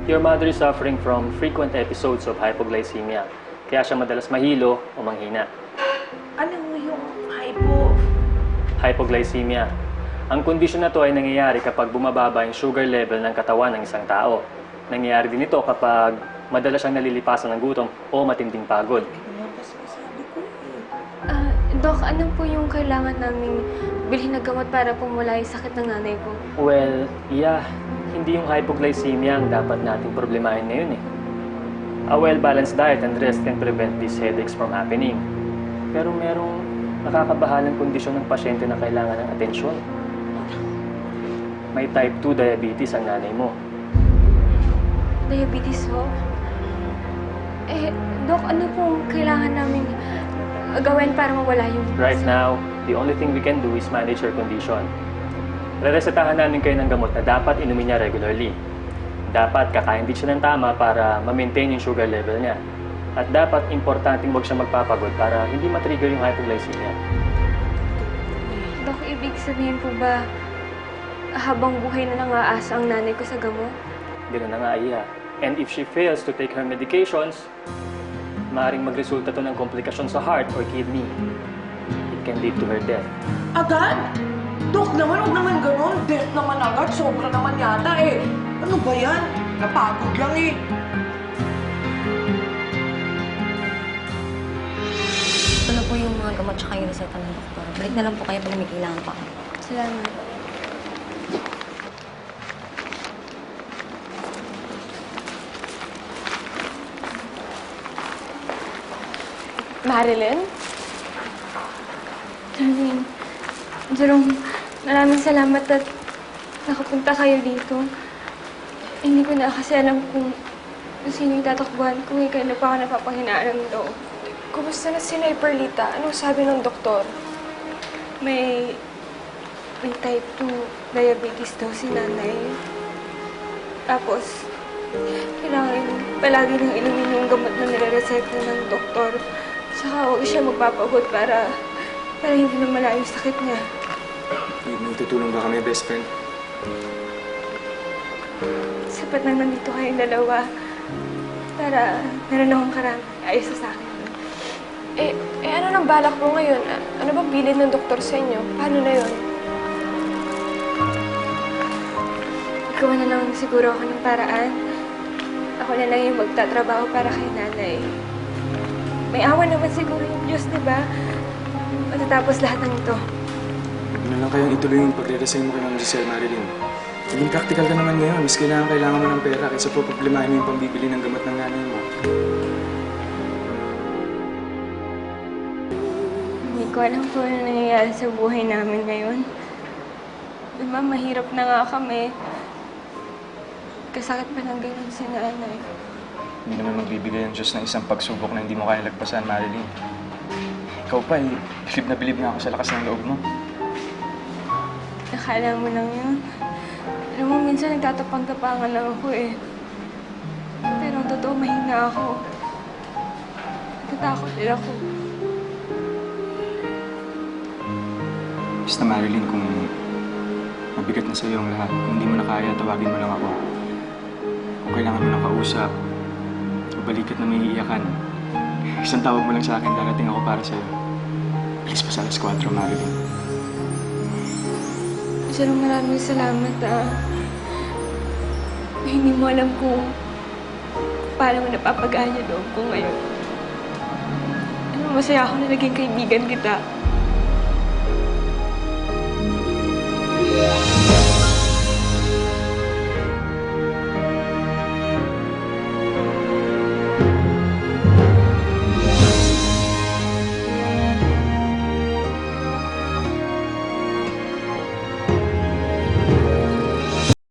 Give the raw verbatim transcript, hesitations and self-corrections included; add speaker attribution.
Speaker 1: Your mother is suffering from frequent episodes of hypoglycemia. Kaya siya madalas mahilo o manghina.
Speaker 2: Ano yung hypo?
Speaker 1: Hypoglycemia. Ang kondisyon na to ay nangyayari kapag bumababa yung sugar level ng katawan ng isang tao. Nangyayari din ito kapag madalas siyang nalilipasan ng gutom o matinding pagod.
Speaker 3: Ah, Dok, ano po yung kailangan naming bilhin na gamot para pumula yung sakit ng nanay ko?
Speaker 1: Well, yeah. Hindi yung hypoglycemia ang dapat nating problemahin ngayon eh. A well-balanced diet and rest can prevent these headaches from happening. Pero merong nakakabahalang kondisyon ng pasyente na kailangan ng atensyon. May type two diabetes ang nanay mo.
Speaker 3: Diabetes ho? Eh, Dok, ano pong kailangan namin gawin para mawala yung...
Speaker 1: Right now, the only thing we can do is manage her condition. Reresetahan namin kayo ng gamot na dapat inumin niya regularly. Dapat kakain din siya ng tama para ma-maintain yung sugar level niya. At dapat importanteng huwag siya magpapagod para hindi matrigger yung hypoglycemia.
Speaker 3: Dok, ibig sabihin po ba habang buhay na nang-aasa ang nanay ko sa gamot?
Speaker 1: Ganoon na nga, Iya. And if she fails to take her medications, maaaring magresulta to ng komplikasyon sa heart or kidney. It can lead to her death.
Speaker 2: Agad? Dok naman, huwag naman ganun. Death naman agad. Sobra naman yata eh. Ano ba yan? Napagod lang eh.
Speaker 4: Ito na po yung mga gamot tsaka yung reseta ng doktor. Balik na lang po kayo pag may kailangan pa.
Speaker 3: Salamat.
Speaker 5: Marilyn?
Speaker 3: Darlene, Jerome, maraming salamat at nakapunta kayo dito. Hindi ko na kasi alam kung sino yung tatakbuhan ko eh, kaya na pa ako napapahinaan ng loob.
Speaker 5: Kumusta na si Perlita? Anong sabi ng doktor?
Speaker 3: May... may type two diabetes daw si nanay. Tapos, kailangan palagi nang inumin yung gamot na nire-reseta ng doktor. Saka huwag siya magpapagod para... para hindi na malayo yung sakit niya.
Speaker 6: May tutulong ba kami, best friend?
Speaker 3: Sapat na nandito kayong dalawa para meron akong karami ayos sa akin.
Speaker 5: Eh, eh ano nang balak mo ngayon? A- Ano bang bilid ng doktor sa inyo? Paano na yun?
Speaker 3: Ikaw na lang siguro ako ng paraan. Ako na lang yung magtatrabaho para kay nanay. May awa naman siguro yung Diyos, di ba? Matatapos lahat ng ito.
Speaker 6: Huwag na lang kayong ituloy yung pagre-resign mo kay Ma'am Giselle, Marilyn. Maging practical ka naman ngayon. Mas kailangan kailangan mo ng pera kaysa po problemahin mo yung pambibili ng gamot ng nanay mo.
Speaker 3: Hindi ko alam kung ano nangyayari sa buhay namin ngayon. Di ba, mahirap na nga kami. Kasakit pa ng ganun si nanay.
Speaker 6: Hindi naman magbibigay ang Diyos ng isang pagsubok na hindi mo kaya lagpasan, Marilyn. Ikaw pa, eh, bilib na bilib na ako sa lakas ng loob mo.
Speaker 3: Nakala mo lang yun. Alam mo, minsan nagtatapang-tapangan lang ako eh. Pero ang totoo, mahina ako. Natatakot din ako.
Speaker 6: Basta, Marilyn, kung mabigat na sa'yo ang lahat, kung hindi mo na kaya, tawagin mo lang ako. Kung kailangan mo ng kausap, o balikat na may iiyakan, isang tawag mo lang sa akin, darating ako para sa'yo. Please pa sa alas kwatro, Marilyn.
Speaker 3: Pero maraming salamat ah. Hindi mo alam kung paano mo napapagaan yung loob ko ngayon. Ano, masaya ako na naging kaibigan kita.